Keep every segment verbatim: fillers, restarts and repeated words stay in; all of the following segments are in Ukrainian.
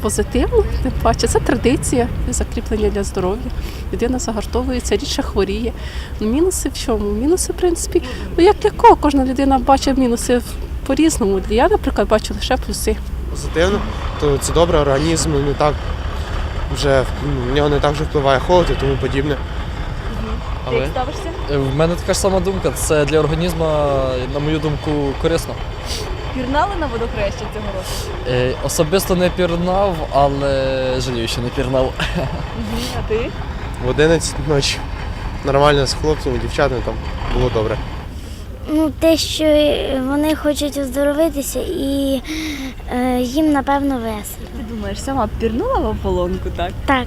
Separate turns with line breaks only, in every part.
Позитивно, тим паче, це традиція, закріплення для здоров'я. Людина загартовується, рідше хворіє. Ну, мінуси в чому? Мінуси, в принципі, ну як для кого? Кожна людина бачить мінуси по-різному. Я, наприклад, бачу лише плюси.
Позитивно, то це добре, організм не так вже в нього не так вже впливає холод і тому подібне.
Ти як ставишся?
В мене така ж сама думка. Це для організму, на мою думку, корисно.
Пірнали на водохреща цього року?
Е, Особисто не пірнав, але жалію, що не пірнав.
Угу. А ти?
В одинадцять ночі нормально з хлопцями, дівчатами там було добре.
Ну, те, що вони хочуть оздоровитися і е, їм, напевно, весело.
Ти думаєш, сама пірнула в ополонку, так?
Так,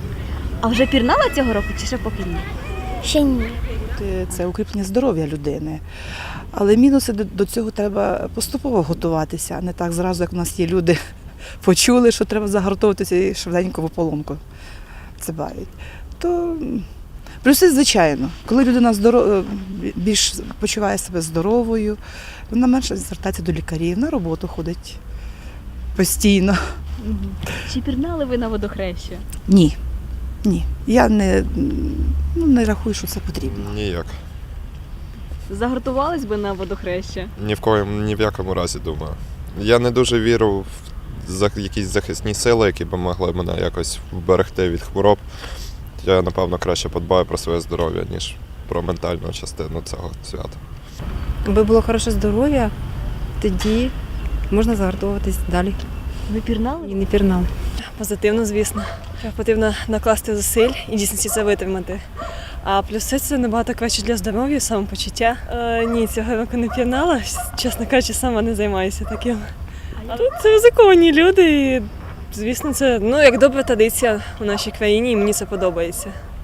А вже пірнала цього року чи ще поки ні?
ще ні.
Це укріплення здоров'я людини. Але мінуси до- до цього треба поступово готуватися, а не так зразу, як у нас є люди, почули, що треба загартовуватися і швиденько в ополонку цибають. То м, плюси, звичайно, коли людина здоро- більш почуває себе здоровою, вона менше звертається до лікарів, на роботу ходить постійно.
Угу. Чи пірнали ви на водохреща?
Ні, ні. Я не, ну, не рахую, що це потрібно.
Ніяк.
Загартувались би на водохреща?
Ні в коєму, ні в якому разі, думаю. Я не дуже вірю в за- якісь захисні сили, які б могли мене якось вберегти від хвороб. Я, напевно, краще подбаю про своє здоров'я, ніж про ментальну частину цього свята.
Аби було хороше здоров'я, тоді можна загартовуватись далі.
Ви пірнали?
І не пірнали.
Позитивно, звісно. Потрібно накласти зусиль і дійсно це витримати. А плюси це набагато краще для здоров'я, самопочуття. Е, ні, цього року не пірнала, чесно кажучи, сама не займаюся таким. А тут це ризиковані люди і, звісно, це ну, як добра традиція у нашій країні і мені це подобається.